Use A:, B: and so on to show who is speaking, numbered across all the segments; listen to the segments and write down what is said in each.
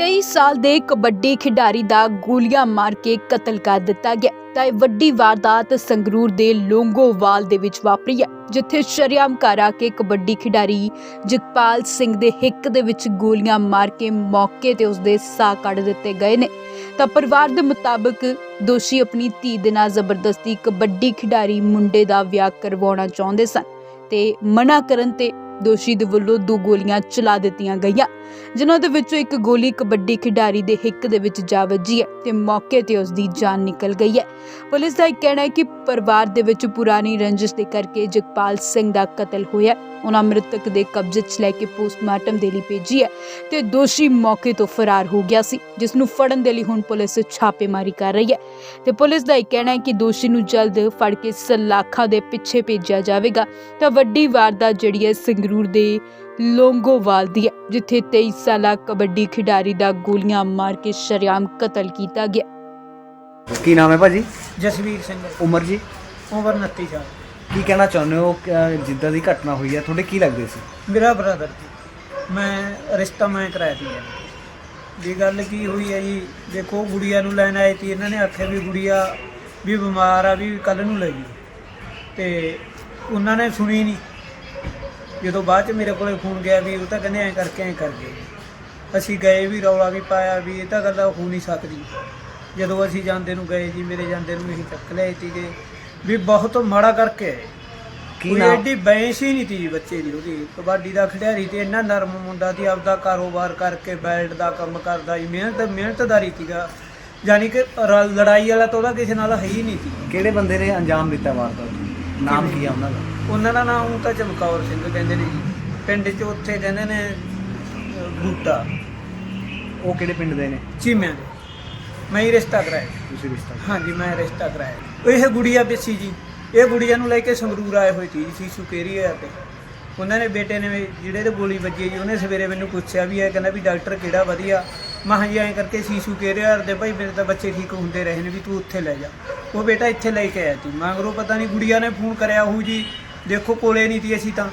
A: 23 ਸਾਲ ਦੇ ਕਬੱਡੀ ਖਿਡਾਰੀ ਦਾ ਗੋਲੀਆਂ ਮਾਰ ਕੇ ਕਤਲ ਕਰ ਦਿੱਤਾ ਗਿਆ। ਤਾਂ ਇਹ ਵੱਡੀ ਵਾਰਦਾਤ ਸੰਗਰੂਰ ਦੇ ਲੋਂਗੋਵਾਲ ਦੇ ਵਿੱਚ ਵਾਪਰੀ ਹੈ, ਜਿੱਥੇ ਸ਼ਰੇਆਮ ਘਰ ਆ ਕੇ ਕਬੱਡੀ ਖਿਡਾਰੀ ਜਗਪਾਲ ਸਿੰਘ ਦੇ ਹਿੱਕ ਦੇ ਵਿੱਚ ਗੋਲੀਆਂ ਮਾਰ ਕੇ ਮੌਕੇ ਤੇ ਉਸਦੇ ਸਾਹ ਕੱਢ ਦਿੱਤੇ ਗਏ ਨੇ। ਤਾਂ ਪਰਿਵਾਰ ਦੇ ਮੁਤਾਬਕ ਦੋਸ਼ੀ ਆਪਣੀ ਧੀ ਦੇ ਨਾਲ ਜ਼ਬਰਦਸਤੀ ਕਬੱਡੀ ਖਿਡਾਰੀ ਮੁੰਡੇ ਦਾ ਵਿਆਹ ਕਰਵਾਉਣਾ ਚਾਹੁੰਦੇ ਸਨ ਤੇ ਮਨਾ ਕਰਨ ਤੇ ਦੋਸ਼ੀ ਦੇ ਵੱਲੋਂ 2 ਗੋਲੀਆਂ ਚਲਾ ਦਿੱਤੀਆਂ ਗਈਆਂ, ਜਿਨ੍ਹਾਂ ਦੇ ਵਿੱਚੋਂ ਇੱਕ ਗੋਲੀ ਕਬੱਡੀ ਖਿਡਾਰੀ ਦੇ ਹਿੱਕ ਦੇ ਵਿੱਚ ਜਾ ਵੱਜੀ ਹੈ ਤੇ ਮੌਕੇ ਤੇ ਉਸ ਦੀ ਜਾਨ ਨਿਕਲ ਗਈ ਹੈ। ਪੁਲਿਸ ਦਾ ਕਹਿਣਾ ਹੈ ਕਿ ਪਰਿਵਾਰ ਦੇ ਵਿੱਚ ਪੁਰਾਣੀ ਰੰਜਿਸ਼ ਦੇ ਕਰਕੇ ਜਗਪਾਲ ਸਿੰਘ ਦਾ ਕਤਲ ਹੋਇਆ। ਉਹਨਾਂ ਮ੍ਰਿਤਕ ਦੇ ਕਬਜ਼ੇ 'ਚ ਲੈ ਕੇ ਪੋਸਟਮਾਰਟਮ ਦੇ ਲਈ ਭੇਜੀ ਹੈ ਤੇ ਦੋਸ਼ੀ ਮੌਕੇ ਤੋਂ ਫਰਾਰ ਹੋ ਗਿਆ ਸੀ, ਜਿਸ ਨੂੰ ਫੜਨ ਦੇ ਲਈ ਹੁਣ ਪੁਲਿਸ ਛਾਪੇਮਾਰੀ ਕਰ ਰਹੀ ਹੈ ਤੇ ਪੁਲਿਸ ਦਾ ਕਹਿਣਾ ਹੈ ਕਿ ਦੋਸ਼ੀ ਨੂੰ ਜਲਦ ਫੜ ਕੇ ਸਲਾਖਾਂ ਦੇ ਪਿੱਛੇ ਭੇਜਿਆ ਜਾਵੇਗਾ। ਤਾਂ ਵੱਡੀ ਵਾਰਦਾਤ ਜਿਹੜੀ ਹੈ ਸੰਗਰੂਰ ਦੇ ਲੋਂਗੋਵਾਲ ਦੀ ਹੈ, ਜਿੱਥੇ 23 ਸਾਲਾ ਕਬੱਡੀ ਖਿਡਾਰੀ ਦਾ ਗੋਲੀਆਂ ਮਾਰ ਕੇ ਸ਼ਰੇਆਮ ਕਤਲ ਕੀਤਾ ਗਿਆ।
B: ਕੀ ਨਾਮ ਹੈ ਭਾਜੀ?
C: ਜਸਵੀਰ ਸਿੰਘ।
B: ਉਮਰ ਜੀ?
C: ਉਮਰ 29 ਸਾਲ।
B: ਕੀ ਕਹਿਣਾ ਚਾਹੁੰਦੇ ਹੋ? ਜਿੱਦਾਂ ਦੀ ਘਟਨਾ ਹੋਈ ਹੈ ਤੁਹਾਡੇ ਕੀ ਲੱਗਦੇ ਸੀ?
C: ਮੇਰਾ ਬ੍ਰਦਰ ਜੀ, ਮੈਂ ਰਿਸ਼ਤਾ ਕਰਾਇਆ ਸੀ ਜੀ। ਗੱਲ ਕੀ ਹੋਈ ਹੈ ਜੀ, ਦੇਖੋ ਗੁੜੀਆ ਨੂੰ ਲੈਣ ਆਏ ਸੀ। ਇਹਨਾਂ ਨੇ ਆਖਿਆ ਵੀ ਗੁੜੀਆ ਵੀ ਬਿਮਾਰ ਆ, ਵੀ ਕੱਲ੍ਹ ਨੂੰ ਲੈ ਜੀ, ਤੇ ਉਹਨਾਂ ਨੇ ਸੁਣੀ ਨਹੀਂ। ਜਦੋਂ ਬਾਅਦ 'ਚ ਮੇਰੇ ਕੋਲੇ ਫੋਨ ਗਿਆ ਵੀ ਉਹ ਤਾਂ ਕਹਿੰਦੇ ਐਂ ਕਰਕੇ ਅਸੀਂ ਗਏ ਵੀ, ਰੌਲਾ ਵੀ ਪਾਇਆ ਵੀ ਇਹ ਤਾਂ ਗੱਲ ਹੋ ਨਹੀਂ ਸਕਦੀ। ਜਦੋਂ ਅਸੀਂ ਜਾਂਦੇ ਨੂੰ ਗਏ ਜੀ, ਮੇਰੇ ਜਾਂਦੇ ਨੂੰ ਅਸੀਂ ਚੱਕ ਲਿਆਏ ਸੀਗੇ ਵੀ ਬਹੁਤ ਮਾੜਾ ਕਰਕੇ ਆਏ।
B: ਕੀ ਨਾਮ?
C: ਐਡੀ ਬੈਂਸ ਹੀ ਨਹੀਂ ਤੀ ਬੱਚੇ ਦੀ। ਉਹਦੀ ਕਬੱਡੀ ਦਾ ਖਿਡਾਰੀ ਤੇ ਇੰਨਾ ਨਰਮ ਮੁੰਡਾ ਸੀ, ਆਪਦਾ ਕਾਰੋਬਾਰ ਕਰਕੇ ਬੈਲਟ ਦਾ ਕੰਮ ਕਰਦਾ ਜੀ, ਮਿਹਨਤਦਾਰੀ ਸੀਗਾ। ਯਾਨੀ ਕਿ ਲੜਾਈ ਵਾਲਾ ਤਾਂ ਉਹਦਾ ਕਿਸੇ ਨਾਲ ਹੈ ਹੀ ਨਹੀਂ ਸੀ।
B: ਕਿਹੜੇ ਬੰਦੇ ਨੇ ਅੰਜਾਮ ਦਿੱਤਾ ਵਾਰਦਾਤ? ਨਾਮ ਕੀ ਆ ਉਹਨਾਂ ਦਾ?
C: ਉਹਨਾਂ ਦਾ ਨਾਮ ਤਾਂ ਚਮਕੌਰ ਸਿੰਘ ਕਹਿੰਦੇ ਨੇ ਜੀ, ਪਿੰਡ 'ਚ ਉੱਥੇ ਕਹਿੰਦੇ ਨੇ ਬੂਟਾ।
B: ਉਹ ਕਿਹੜੇ ਪਿੰਡ ਦੇ ਨੇ?
C: ਚੀਮਿਆਂ ਦੇ। ਮੈਂ ਹੀ ਰਿਸ਼ਤਾ ਕਰਾਇਆ।
B: ਤੁਸੀਂ ਰਿਸ਼ਤਾ?
C: ਹਾਂਜੀ, ਮੈਂ ਰਿਸ਼ਤਾ ਕਰਾਇਆ। ਇਹ ਗੁੜੀਆ ਪਿੱਛੀ ਜੀ, ਇਹ ਗੁੜੀਆ ਨੂੰ ਲੈ ਕੇ ਸੰਗਰੂਰ ਆਏ ਹੋਏ ਸੀ ਸੀਸੂ ਕੇਰੀਆ ਤੇ। ਉਹਨਾਂ ਨੇ ਬੇਟੇ ਨੇ ਜਿਹੜੇ ਤੇ ਗੋਲੀ ਵੱਜੀ ਜੀ, ਉਹਨੇ ਸਵੇਰੇ ਮੈਨੂੰ ਪੁੱਛਿਆ ਵੀ ਇਹ ਕਹਿੰਦਾ ਵੀ ਡਾਕਟਰ ਕਿਹੜਾ ਵਧੀਆ। ਮੈਂ ਕਿਹਾ ਜੀ ਐਂ ਕਰਕੇ ਸੀਸੂ ਕੇਰੀਆ ਦੇ ਭਾਈ, ਮੇਰੇ ਤਾਂ ਬੱਚੇ ਠੀਕ ਹੁੰਦੇ ਰਹੇ ਨੇ, ਵੀ ਤੂੰ ਉੱਥੇ ਲੈ ਜਾ। ਉਹ ਬੇਟਾ ਇੱਥੇ ਲੈ ਕੇ ਆਇਆ ਸੀ। ਮਗਰੋਂ ਪਤਾ ਨਹੀਂ ਗੁੜੀਆ ਨੇ ਫੋਨ ਕਰਿਆ ਹੋਊ ਜੀ, ਦੇਖੋ ਕੋਲੇ ਨਹੀਂ ਸੀ ਅਸੀਂ ਤਾਂ,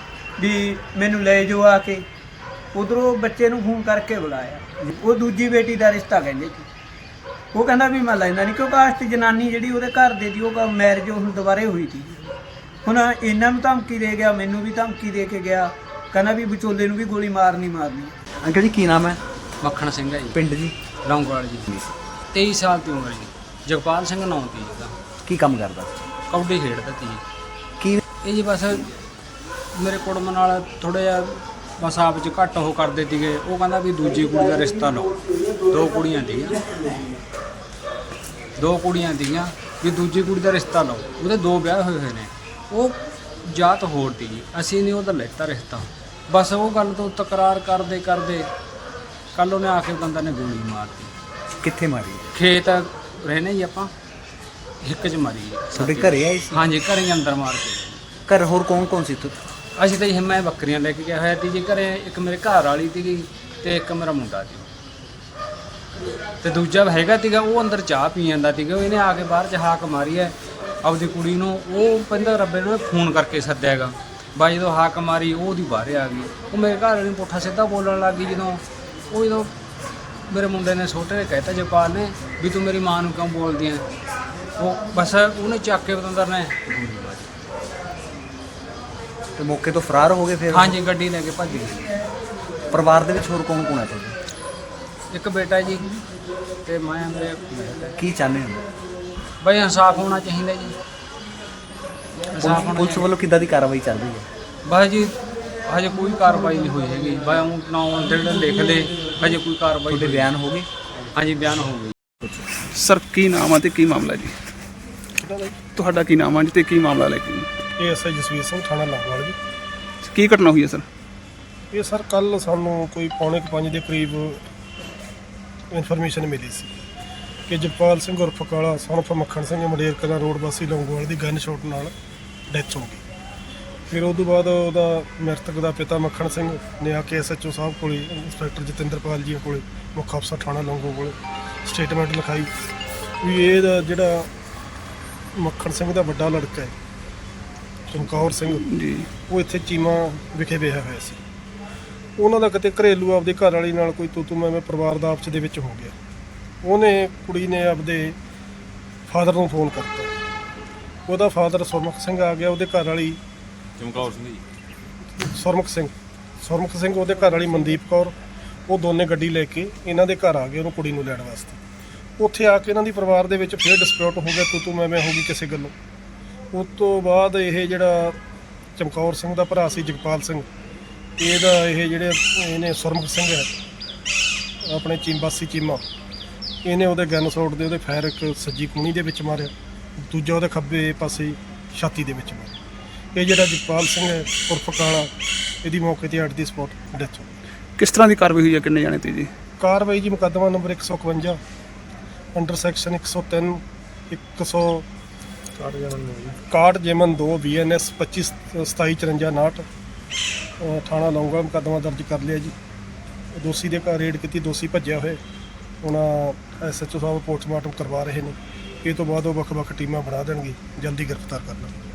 C: ਵੀ ਮੈਨੂੰ ਲੈ ਜਾਓ ਆ ਕੇ। ਉੱਧਰੋਂ ਬੱਚੇ ਨੂੰ ਫੋਨ ਕਰਕੇ ਬੁਲਾਇਆ। ਉਹ ਦੂਜੀ ਬੇਟੀ ਦਾ ਰਿਸ਼ਤਾ ਕਹਿੰਦੇ ਸੀ। ਉਹ ਕਹਿੰਦਾ ਵੀ ਮੈਂ ਲੈਂਦਾ ਨਹੀਂ, ਕਿਉਂਕਿ ਆਸਤ ਜਨਾਨੀ ਜਿਹੜੀ ਉਹਦੇ ਘਰ ਦੇ ਦੀ, ਉਹ ਮੈਰਿਜ ਹੁਣ ਦੁਬਾਰੇ ਹੋਈ ਸੀ। ਹੁਣ ਇਹਨਾਂ ਨੂੰ ਧਮਕੀ ਦੇ ਗਿਆ, ਮੈਨੂੰ ਵੀ ਧਮਕੀ ਦੇ ਕੇ ਗਿਆ, ਕਹਿੰਦਾ ਵੀ ਵਿਚੋਲੇ ਨੂੰ ਵੀ ਗੋਲੀ ਮਾਰਨੀ।
B: ਅੰਕਲ ਜੀ ਕੀ ਨਾਮ ਹੈ?
D: ਮੱਖਣ ਸਿੰਘ ਹੈ ਜੀ।
B: ਪਿੰਡ ਜੀ?
D: ਲੌਂਗੋਵਾਲ ਜੀ। 23 ਸਾਲ ਦੀ ਉਮਰ ਜੀ। ਜਗਪਾਲ ਸਿੰਘ ਨਾਂ ਸੀ ਇਹਦਾ।
B: ਕੀ ਕੰਮ ਕਰਦਾ?
D: ਕਬੱਡੀ ਖੇਡਦਾ ਸੀ।
B: ਕੀ
D: ਇਹ ਜੀ ਬਸ ਮੇਰੇ ਕੁੜਮ ਨਾਲ ਥੋੜ੍ਹਾ ਜਿਹਾ ਬਸ ਆਪ 'ਚ ਘੱਟ ਉਹ ਕਰਦੇ ਸੀਗੇ। ਉਹ ਕਹਿੰਦਾ ਵੀ ਦੂਜੀ ਕੁੜੀ ਦਾ ਰਿਸ਼ਤਾ ਲਓ। 2 ਕੁੜੀਆਂ ਸੀਗੀਆਂ ਵੀ ਦੂਜੀ ਕੁੜੀ ਦਾ ਰਿਸ਼ਤਾ ਲਓ। ਉਹਦੇ 2 ਵਿਆਹ ਹੋਏ ਨੇ। ਉਹ ਜਾਤ ਹੋਰ ਸੀ ਜੀ, ਅਸੀਂ ਨਹੀਂ ਉਹਦਾ ਲੈਤਾ ਰਿਸ਼ਤਾ। ਬਸ ਉਹ ਗੱਲ ਤੋਂ ਤਕਰਾਰ ਕਰਦੇ ਕੱਲ੍ਹ ਉਹਨੇ ਆ ਕੇ ਬੰਦਾ ਨੇ ਗੋਲੀ ਮਾਰਤੀ।
B: ਕਿੱਥੇ ਮਾਰੀ?
D: ਖੇਤ ਰਹਿੰਦੇ ਜੀ ਆਪਾਂ, ਹਿੱਕ 'ਚ ਮਾਰੀ ਜੀ।
B: ਤੁਹਾਡੇ ਘਰੇ ਆਏ ਸੀ?
D: ਹਾਂਜੀ, ਘਰੇ ਹੀ ਅੰਦਰ ਮਾਰ ਕੇ।
B: ਘਰ ਹੋਰ ਕੌਣ ਸੀ ਇੱਥੇ?
D: ਅਸੀਂ ਤਾਂ ਜੀ ਮੈਂ ਬੱਕਰੀਆਂ ਲੈ ਕੇ ਗਿਆ ਹੋਇਆ ਸੀ ਜੀ ਘਰੇ। ਇੱਕ ਮੇਰੇ ਘਰ ਵਾਲੀ ਸੀਗੀ ਤੇ ਇੱਕ ਮੇਰਾ ਮੁੰਡਾ ਸੀ, ਤੇ ਦੂਜਾ ਹੈਗਾ ਸੀਗਾ ਉਹ ਅੰਦਰ ਚਾਹ ਪੀ ਜਾਂਦਾ ਸੀਗਾ। ਇਹਨੇ ਆ ਕੇ ਬਾਹਰ 'ਚ ਹਾਕ ਮਾਰੀ ਹੈ ਆਪਦੀ ਕੁੜੀ ਨੂੰ। ਉਹ ਕਹਿੰਦਾ ਰੱਬੇ ਨੂੰ ਫੋਨ ਕਰਕੇ ਸੱਦਿਆ ਹੈਗਾ। ਬਾਈ ਜਦੋਂ ਹਾਕ ਮਾਰੀ ਉਹ ਉਹਦੀ ਬਾਹਰ ਆ ਗਈ। ਉਹ ਮੇਰੇ ਘਰ ਵਾਲੀ ਨੂੰ ਪੁੱਠਾ ਸਿੱਧਾ ਬੋਲਣ ਲੱਗ ਗਈ। ਜਦੋਂ ਮੇਰੇ ਮੁੰਡੇ ਨੇ ਛੋਟੇ ਨੇ ਕਹਿਤਾ ਜਗਪਾਲ ਨੇ ਵੀ ਤੂੰ ਮੇਰੀ ਮਾਂ ਨੂੰ ਕਿਉਂ ਬੋਲਦੀ ਹੈ। ਉਹ ਬਸ ਉਹਨੇ ਚੱਕ ਕੇ ਬਤੰਦਰ ਨੇ
B: ਤੇ ਮੌਕੇ ਤੋਂ ਫਰਾਰ ਹੋ ਗਏ ਫਿਰ?
D: ਹਾਂਜੀ, ਗੱਡੀ ਲੈ ਕੇ ਭੱਜ ਗਈ।
B: ਪਰਿਵਾਰ ਦੇ ਵਿੱਚ ਹੋਰ ਕੌਣ ਹੈ ਤੁਹਾਡੇ?
D: ਇੱਕ ਬੇਟਾ ਜੀ ਤੇ ਮੈਂ ਮੇਰੇ।
B: ਕੀ ਚਾਹੁੰਦੇ ਹੋ?
D: ਬਈ ਇਨਸਾਫ ਹੋਣਾ ਚਾਹੀਦਾ ਜੀ। ਇਨਸਾਫ ਹੋਣਾ
B: ਪੁਲਿਸ ਵੱਲੋਂ ਕਿੱਦਾਂ ਦੀ ਕਾਰਵਾਈ ਚੱਲ ਰਹੀ ਹੈ?
D: ਬਸ ਜੀ ਹਜੇ ਕੋਈ ਕਾਰਵਾਈ ਨਹੀਂ ਹੋਈ ਹੈਗੀ। ਬਈ ਉਹ ਨਾਮ ਜਿਹੜੇ ਲਿਖ ਲਏ, ਹਜੇ ਕੋਈ ਕਾਰਵਾਈ।
B: ਤੁਹਾਡੇ ਬਿਆਨ ਹੋ ਗਏ?
D: ਹਾਂਜੀ, ਬਿਆਨ ਹੋ ਗਏ।
E: ਸਰ ਕੀ ਨਾਮ ਆ ਤੇ ਕੀ ਮਾਮਲਾ ਜੀ? ਤੁਹਾਡਾ ਕੀ ਨਾਮ ਆ ਜੀ ਤੇ ਕੀ ਮਾਮਲਾ ਲੈ ਕੇ?
F: ਇਹ ਐਸਆਈ ਜਸਵੀਰ ਸਿੰਘ, ਥਾਣਾ ਲੌਂਗੋਵਾਲ ਜੀ।
E: ਕੀ ਘਟਨਾ ਹੋਈ ਹੈ ਸਰ?
F: ਇਹ ਸਰ ਕੱਲ੍ਹ ਸਾਨੂੰ ਕੋਈ 4:45 ਦੇ ਕਰੀਬ ਇਨਫੋਰਮੇਸ਼ਨ ਮਿਲੀ ਸੀ ਕਿ ਜਗਪਾਲ ਸਿੰਘ ਉਰਫ ਕਾਲਾ ਸਨਫ ਮੱਖਣ ਸਿੰਘ ਮੰਡੇਰ ਕਲਾਂ ਰੋਡ ਵਾਸੀ ਲੌਂਗੋਵਾਲ ਦੀ ਗਨ ਸ਼ਾਟ ਨਾਲ ਡੈਥ ਹੋ ਗਈ। ਫਿਰ ਉਸ ਤੋਂ ਬਾਅਦ ਉਹਦਾ ਮ੍ਰਿਤਕ ਦਾ ਪਿਤਾ ਮੱਖਣ ਸਿੰਘ ਨੇ ਆ ਕੇ ਐਸਐਚਓ ਸਾਹਿਬ ਕੋਲ, ਇੰਸਪੈਕਟਰ ਜਤਿੰਦਰਪਾਲ ਜੀ ਕੋਲ, ਮੁੱਖ ਅਫਸਰ ਥਾਣਾ ਲੌਂਗੋ ਕੋਲ ਸਟੇਟਮੈਂਟ ਲਿਖਾਈ ਵੀ ਇਹਦਾ ਜਿਹੜਾ ਮੱਖਣ ਸਿੰਘ ਦਾ ਵੱਡਾ ਲੜਕਾ ਹੈ ਚਮਕੌਰ ਸਿੰਘ ਜੀ, ਉਹ ਇੱਥੇ ਚੀਮਾ ਵਿਖੇ ਵਿਆਹਿਆ ਹੋਇਆ ਸੀ। ਉਹਨਾਂ ਦਾ ਕਿਤੇ ਘਰੇਲੂ ਆਪਦੇ ਘਰ ਵਾਲੀ ਨਾਲ ਕੋਈ ਤੂੰ ਮੈਂ ਪਰਿਵਾਰ ਦਾ ਆਪਸ ਦੇ ਵਿੱਚ ਹੋ ਗਿਆ। ਉਹਨੇ ਕੁੜੀ ਨੇ ਆਪਦੇ ਫਾਦਰ ਨੂੰ ਫੋਨ ਕਰਤਾ। ਉਹਦਾ ਫਾਦਰ ਸੁਰਮੁਖ ਸਿੰਘ ਆ ਗਿਆ, ਉਹਦੇ ਘਰ ਵਾਲੀ
G: ਚਮਕੌਰ ਸਿੰਘ ਜੀ।
F: ਸੁਰਮੁਖ ਸਿੰਘ ਉਹਦੇ ਘਰ ਵਾਲੀ ਮਨਦੀਪ ਕੌਰ, ਉਹ ਦੋਨੇ ਗੱਡੀ ਲੈ ਕੇ ਇਹਨਾਂ ਦੇ ਘਰ ਆ ਗਏ ਉਹਨੂੰ ਕੁੜੀ ਨੂੰ ਲੈਣ ਵਾਸਤੇ। ਉੱਥੇ ਆ ਕੇ ਇਹਨਾਂ ਦੀ ਪਰਿਵਾਰ ਦੇ ਵਿੱਚ ਫਿਰ ਡਿਸਪਿਊਟ ਹੋ ਗਿਆ, ਤੂੰ ਮੈਂ ਹੋ ਗਈ ਕਿਸੇ ਗੱਲੋਂ। ਉਸ ਤੋਂ ਬਾਅਦ ਇਹ ਜਿਹੜਾ ਚਮਕੌਰ ਸਿੰਘ ਦਾ ਭਰਾ ਸੀ ਜਗਪਾਲ ਸਿੰਘ, ਇਹਦਾ ਇਹਨੇ ਸੁਰਮੁਖ ਸਿੰਘ ਹੈ ਆਪਣੇ ਚੀਮਬਾਸੀ ਚੀਮਾ, ਇਹਨੇ ਉਹਦੇ ਗਨ ਸ਼ਾਟ ਦੇ ਉਹਦੇ ਫਾਇਰ ਇੱਕ ਸੱਜੀ ਕੂਣੀ ਦੇ ਵਿੱਚ ਮਾਰਿਆ, ਦੂਜਾ ਉਹਦੇ ਖੱਬੇ ਪਾਸੇ ਛਾਤੀ ਦੇ ਵਿੱਚ ਮਾਰਿਆ। ਇਹ ਜਿਹੜਾ ਜਗਪਾਲ ਸਿੰਘ ਹੈ ਉਰਫ ਕਾਲਾ, ਇਹਦੀ ਮੌਕੇ ਤੇ ਅੱਡ ਦੀ ਸਪੌਟ ਡੈਥ ਹੋ ਗਈ।
E: ਕਿਸ ਤਰ੍ਹਾਂ ਦੀ ਕਾਰਵਾਈ ਹੋਈ ਹੈ, ਕਿੰਨੇ ਜਾਣੇ ਤੇ ਜੀ?
F: ਕਾਰਵਾਈ ਜੀ ਮੁਕੱਦਮਾ ਨੰਬਰ 151 ਅੰਡਰ ਸੈਕਸ਼ਨ 103 61 ਜੇਮਨ 2 BNS 25 2754 ਥਾਣਾ ਲੌਂਗਵਾਲ ਮੁਕੱਦਮਾ ਦਰਜ ਕਰ ਲਿਆ ਜੀ। ਦੋਸ਼ੀ ਦੇ ਘਰ ਰੇਡ ਕੀਤੀ, ਦੋਸ਼ੀ ਭੱਜਿਆ ਹੋਇਆ। ਹੁਣ SHO ਸਾਹਿਬ ਪੋਸਟਮਾਰਟਮ ਕਰਵਾ ਰਹੇ ਨੇ। ਇਹ ਤੋਂ ਬਾਅਦ ਉਹ ਵੱਖ-ਵੱਖ ਟੀਮਾਂ ਬਣਾ ਦੇਣਗੇ, ਜਲਦੀ ਗ੍ਰਿਫਤਾਰ ਕਰਨਾ।